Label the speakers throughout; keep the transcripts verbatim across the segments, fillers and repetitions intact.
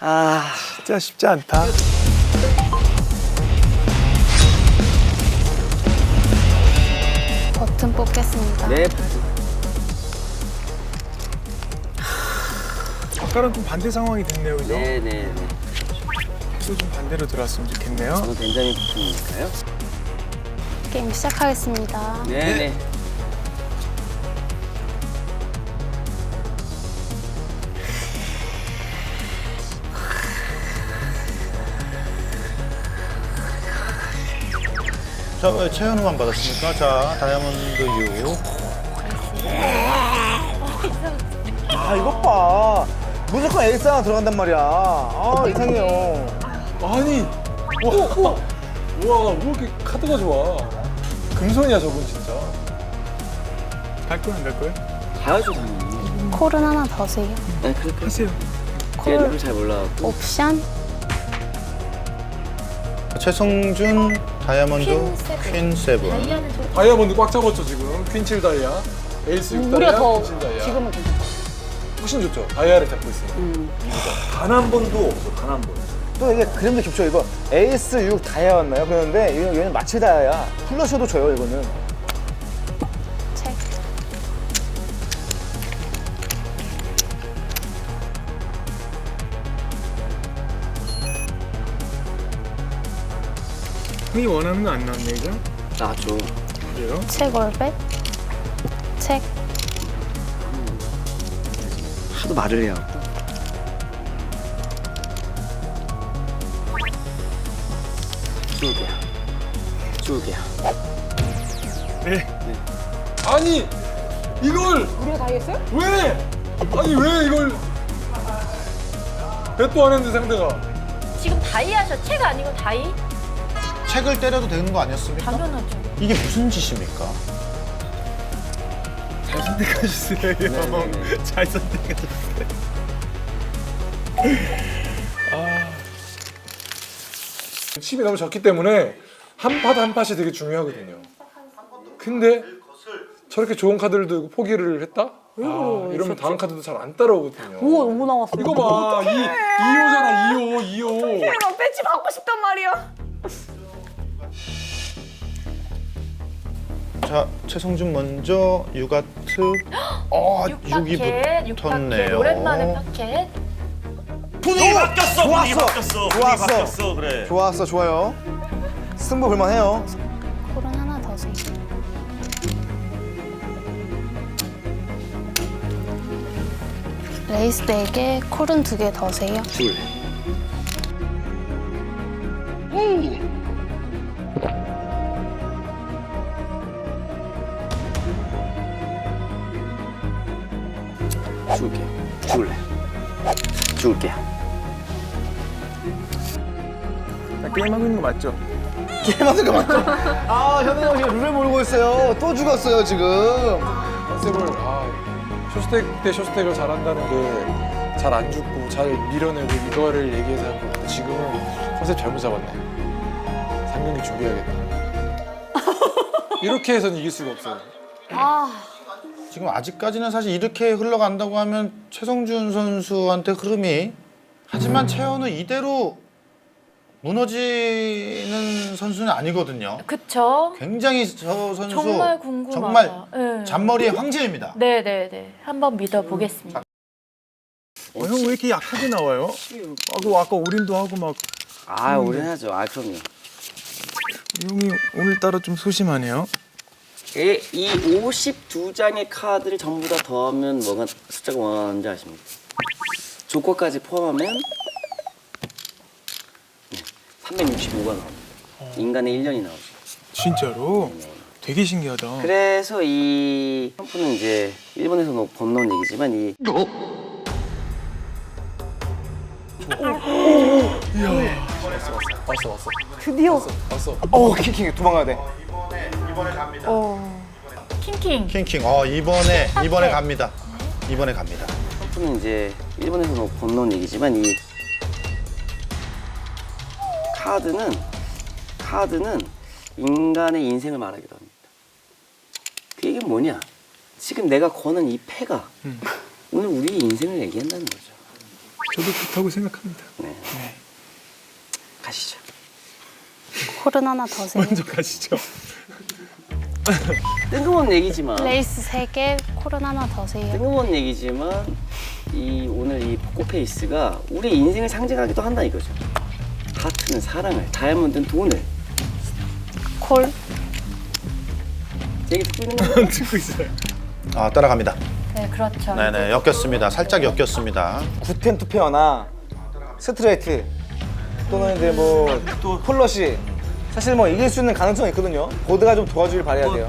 Speaker 1: 아,
Speaker 2: 진짜 쉽지 않다.
Speaker 3: 버튼 뽑겠습니다.
Speaker 1: 네.
Speaker 2: 아까랑 좀 반대 상황이 됐네요, 그죠?
Speaker 1: 네네네.
Speaker 2: 또 좀 반대로 들어왔으면 좋겠네요.
Speaker 1: 저는 벤자민 부품이니까요.
Speaker 3: 게임 시작하겠습니다.
Speaker 1: 네네.
Speaker 4: 자, 왜 최현우만 받았습니까? 자, 다이아몬드 유.
Speaker 5: 아 이것 봐 무조건 에이스 하나 들어간단 말이야. 아 이상해요.
Speaker 6: 아니, 와, 와, 와, 왜 이렇게 카드가 좋아? 금손이야 저분 진짜.
Speaker 2: 갈 거야, 안 갈 거야?
Speaker 1: 가야죠 당연히.
Speaker 3: 콜은 하나 더 세요.
Speaker 1: 네 그렇게
Speaker 2: 하세요.
Speaker 1: 제가
Speaker 3: 콜
Speaker 1: 룰을 잘 몰라갖고.
Speaker 3: 옵션
Speaker 4: 최성준, 다이아몬드, 퀸 세븐.
Speaker 6: 다이아몬드 꽉 잡았죠 지금. 퀸칠 다이아, 에이스 육 다이아, 퀸칠 다이아.
Speaker 7: 지금은 괜찮아.
Speaker 6: 훨씬 좋죠. 다이아를 잡고 있으니까.
Speaker 5: 단 한 번도 없어. 단 한 번. 또 이게 그림도 깊죠. 이거 에이스 육 다이아였나요? 그런데 얘는, 얘는 마치 다이아야. 플러셔도 줘요 이거는.
Speaker 3: 책
Speaker 2: 형이 원하는 거 안 나왔네, 이거?
Speaker 1: 나죠.
Speaker 2: 그래요?
Speaker 3: 책 월백 책
Speaker 1: 하도 말을 해요. 두 개야. 두 개야.
Speaker 2: 네.
Speaker 6: 아니, 이걸
Speaker 7: 우리가 다 했어요?
Speaker 6: 왜? 아니 왜 이걸? 배도 안 했는데 상대가.
Speaker 8: 지금 다이아셔. 책 아니고 다이?
Speaker 4: 책을 때려도 되는 거 아니었습니까?
Speaker 8: 당연하죠.
Speaker 4: 이게 무슨 짓입니까?
Speaker 2: 잘 선택하셨어요, 형.
Speaker 1: 네네네.
Speaker 2: 잘 선택하셨어요.
Speaker 6: 칩이 너무 적기 때문에 한 팟 한 팟이 되게 중요하거든요. 근데 저렇게 좋은 카드를 들고 포기를 했다? 아, 이러면 다음 카드도 잘 안 따라오거든요.
Speaker 7: 우와 너무 나왔어.
Speaker 6: 이거 봐, 이 이호잖아, 이호, 이호.
Speaker 7: 내가 배지 받고 싶단 말이야.
Speaker 4: 자, 최성준 먼저 유가트. 어,
Speaker 8: 육
Speaker 4: 육이
Speaker 8: 파켓, 육 파켓.
Speaker 4: 붙었네요.
Speaker 8: 오랜만에 파켓.
Speaker 9: 분위기 바뀌었어. 분위기
Speaker 5: 좋았어.
Speaker 9: 바뀌었어. 분위기
Speaker 5: 좋았어.
Speaker 9: 바뀌었어. 그래.
Speaker 5: 좋았어 좋아요. 승부 볼만해요.
Speaker 3: 콜은 하나 더 세요. 레이스 네 개 콜은 두 개 더 세요.
Speaker 1: 둘. 줄게. 줄래. 줄게.
Speaker 2: 나 게임하고 있는 거 맞죠?
Speaker 5: 게임하는 거 맞죠? 아 현우 형이 룰을 모르고 있어요. 또 죽었어요 지금.
Speaker 6: 컨셉을 아, 쇼스택 때 쇼스택을 잘한다는 게 잘 안 죽고 잘 밀어내고 이거를 얘기해서 하고 지금은 컨셉 잘못 잡았네. 삼 경기 준비해야겠다. 이렇게 해서는 이길 수가 없어요.
Speaker 4: 지금 아직까지는 사실 이렇게 흘러간다고 하면 최성준 선수한테 흐름이. 하지만 최현우 이대로 무너지는 선수는 아니거든요.
Speaker 8: 그쵸?
Speaker 4: 굉장히 저 선수
Speaker 8: 정말 궁금하다.
Speaker 4: 정말
Speaker 8: 네.
Speaker 4: 잔머리의 황제입니다.
Speaker 8: 네네네. 한번 믿어보겠습니다.
Speaker 2: 어, 형 왜 이렇게 약하게 나와요? 하고 아까 올인도 하고 막
Speaker 1: 아, 오래하죠. 아, 그럼요.
Speaker 2: 형이 오늘따라 좀 소심하네요.
Speaker 1: 이, 이 오십이 장의 카드를 전부 다 더하면 뭐가 숫자가 원하는지 아십니까? 조커까지 포함하면 네, 삼백육십오가 나옵니다. 인간의 일 년이 나오죠.
Speaker 2: 진짜로? 되게 신기하다.
Speaker 1: 그래서 이 펌프는 이제 일본에서 뭐 건너온 얘기지만 이
Speaker 6: 왔어, 왔어.
Speaker 7: 드디어.
Speaker 6: 왔어.
Speaker 5: 어 킹킹 도망가야 돼.
Speaker 8: 킹킹.
Speaker 4: 킹킹. 어, 이번에 이번에 갑니다. 이번에 갑니다.
Speaker 1: 펌프는 이제 일본에서 뭐 건너온 얘기지만 이 카드는 카드는 인간의 인생을 말하기도 합니다. 그 얘기는 뭐냐? 지금 내가 거는 이 패가 오늘 우리 인생을 얘기한다는 거죠.
Speaker 2: 저도 그렇다고 생각합니다.
Speaker 1: 네. 가시죠.
Speaker 3: 콜은 하나 더 세요.
Speaker 2: 먼저 가시죠.
Speaker 1: 뜬금없는 얘기지만
Speaker 3: 레이스 세 개, 콜은 하나 더 세요.
Speaker 1: 뜬금없는 얘기지만 이 오늘 이 포커페이스가 우리 인생을 상징하기도 한다 이거죠. 하트는 사랑을, 다이아몬드는 돈을.
Speaker 3: 콜.
Speaker 1: 제 얘기 듣고 있는 거예요?
Speaker 2: 듣고 있어요.
Speaker 4: 아 따라갑니다.
Speaker 8: 네, 그렇죠.
Speaker 4: 네네 엮였습니다. 살짝 엮였습니다.
Speaker 5: 굿텐 투페어나 스트레이트 또는 이제 뭐 폴러시 사실 뭐 이길 수 있는 가능성이 있거든요. 보드가 좀 도와주길 바라야 돼요.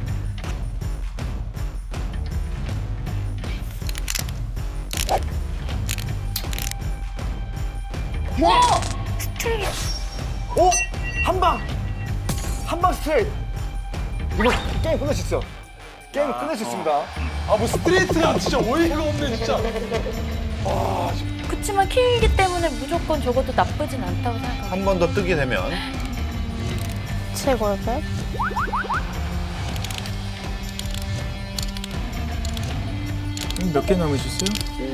Speaker 5: 오! 한 방! 한 방 스트레이트! 이거 게임 끝낼 수 있어. 게임 끝낼 수 있습니다.
Speaker 6: 아 뭐 스트레이트가 진짜 어이가 없네 진짜.
Speaker 8: 그치만 킹이기 때문에 무조건 적어도 나쁘진 않다고 생각합니다.
Speaker 4: 한 번 더 뜨게 되면
Speaker 3: 칠골백.
Speaker 2: 몇 개 남으셨어요?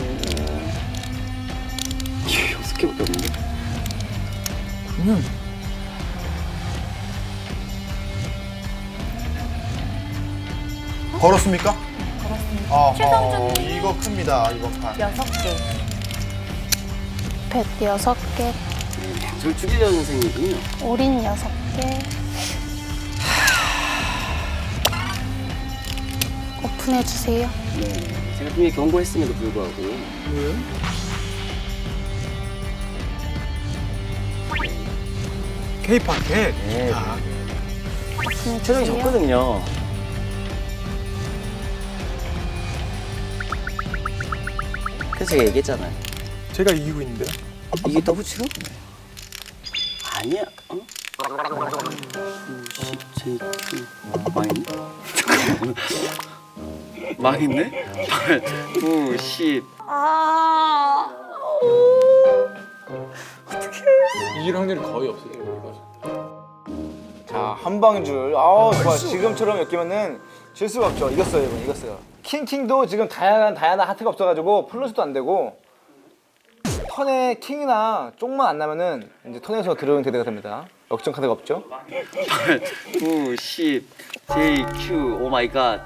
Speaker 1: 예, 여섯 개밖에 없는데.
Speaker 2: 그러면
Speaker 4: 걸었습니까?
Speaker 8: 그렇습니다.
Speaker 4: 어,
Speaker 8: 최성준님.
Speaker 4: 이거 큽니다 이번 판.
Speaker 8: 여섯 개.
Speaker 3: 뱃 여섯 개,
Speaker 1: 저 죽이려는 선생님이군요.
Speaker 3: 올인 여섯 개. 오픈해 주세요.
Speaker 1: 네, 제가 분명히 경고했음에도 불구하고
Speaker 2: 뭐예요? K-파켓.
Speaker 1: 네,
Speaker 2: 아,
Speaker 3: 오픈해
Speaker 1: 최정이
Speaker 3: 주세요.
Speaker 1: 졌거든요. 그래서 제가 얘기했잖아요.
Speaker 2: 제가 이기고 있는데요.
Speaker 1: 이게 더블 치로? 아니야. 어? 십, 제, 구, 망했네? 잠깐만. 망했네? 팔, 구, 십.
Speaker 7: 아.
Speaker 6: 이길 확률이 거의 없어요. 이거.
Speaker 5: 자, 한 방줄. 아우, 좋아. 지금처럼 엮이면은 질 수가 없죠. 이겼어요, 이번 이겼어요. 킹킹도 지금 다양한 다양한 하트가 없어가지고 플러스도 안 되고 턴에 킹이나 쪽만 안 나면은 이제 턴에서 들어오는 대대가 됩니다. 역전 카드가 없죠.
Speaker 1: 팔, 구, 십, 제이, 큐, 오 마이 갓.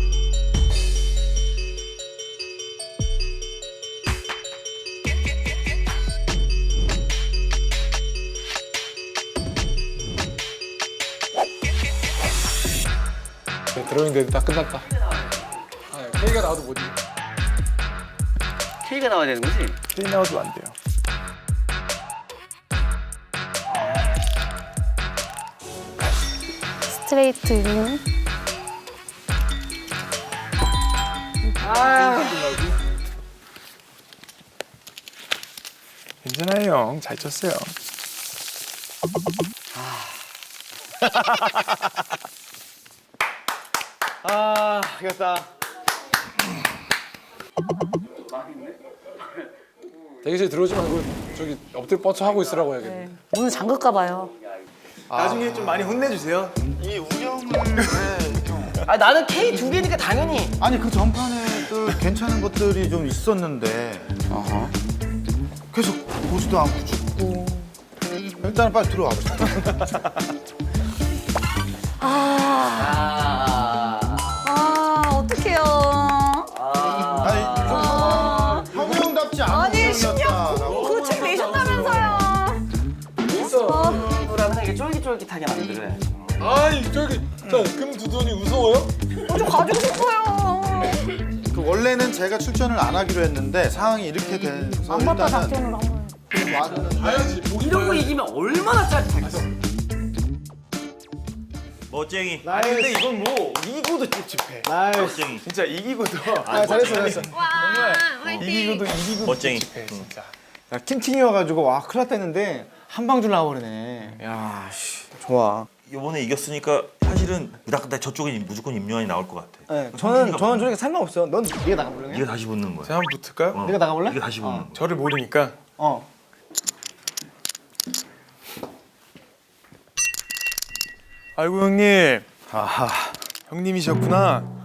Speaker 6: 네, 드로잉 데드 다 끝났다. 아, K가 나와도 뭐지?
Speaker 1: K가 나와야 되는 거지?
Speaker 2: 게임 나와도 안 돼요.
Speaker 3: 스트레이트 윈.
Speaker 2: 괜찮아요, 형. 잘 쳤어요.
Speaker 5: 아, 이겼다.
Speaker 6: 대기실 들어오지 말고 저기 엎드려 뻗쳐 하고 있으라고 해야겠네.
Speaker 7: 문을 잠글까 봐요.
Speaker 2: 나중에 좀 많이 혼내주세요.
Speaker 4: 이 운영을 왜 좀...
Speaker 1: 아 나는 K 두 개니까 당연히.
Speaker 4: 아니 그 전판에도 괜찮은 것들이 좀 있었는데 계속 보지도 않고 죽고 일단은 빨리 들어와 보자.
Speaker 7: 아.
Speaker 1: 아.
Speaker 7: 아, 어떡해요.
Speaker 1: 아.
Speaker 4: 아니 좀 형우 형답지 않은
Speaker 7: 아니,
Speaker 4: 운영이었다라고.
Speaker 7: 그 책 내셨다면서요.
Speaker 1: 라면 이게 쫄깃쫄깃하게 만들어야지.
Speaker 6: 아이 저기 자금 두돈이 무서워요?
Speaker 7: 어, 저 가지고 싶어요.
Speaker 4: 그 원래는 제가 출전을 안 하기로 했는데 상황이 이렇게 돼서
Speaker 3: 안마빠
Speaker 4: 일단은
Speaker 3: 작전으로 한번.
Speaker 4: 와드는
Speaker 6: 봐야지. 보기
Speaker 1: 이런 거
Speaker 6: 봐야지.
Speaker 1: 이기면 얼마나 짜릿하겠어.
Speaker 9: 멋쟁이.
Speaker 2: 아니 근데 이건 뭐 이기고도 찝찝해.
Speaker 9: 멋쟁이.
Speaker 2: 진짜 이기고도.
Speaker 5: 아, 잘했어, 잘했어.
Speaker 2: 정말 이기고도 이기고도
Speaker 9: 멋쟁이.
Speaker 2: 찝찝해 진짜.
Speaker 5: 야, 킹킹이어가지고 와 큰일 났다 했는데 한 방줄 나와버리네. 야, 씨, 좋아.
Speaker 9: 이번에 이겼으니까 사실은 무닥다 저쪽에 무조건 임요한이 나올 것 같아.
Speaker 5: 네, 저는 저는 저렇게 상관없어요. 넌 네가 나가볼래?
Speaker 9: 이게 다시 붙는 거야.
Speaker 2: 제가 한번 붙을까요?
Speaker 9: 어.
Speaker 5: 네가 나가볼래?
Speaker 9: 이게 다시 붙는 거야.
Speaker 2: 저를 모르니까.
Speaker 5: 어.
Speaker 2: 아이고 형님.
Speaker 4: 아하
Speaker 2: 형님이셨구나.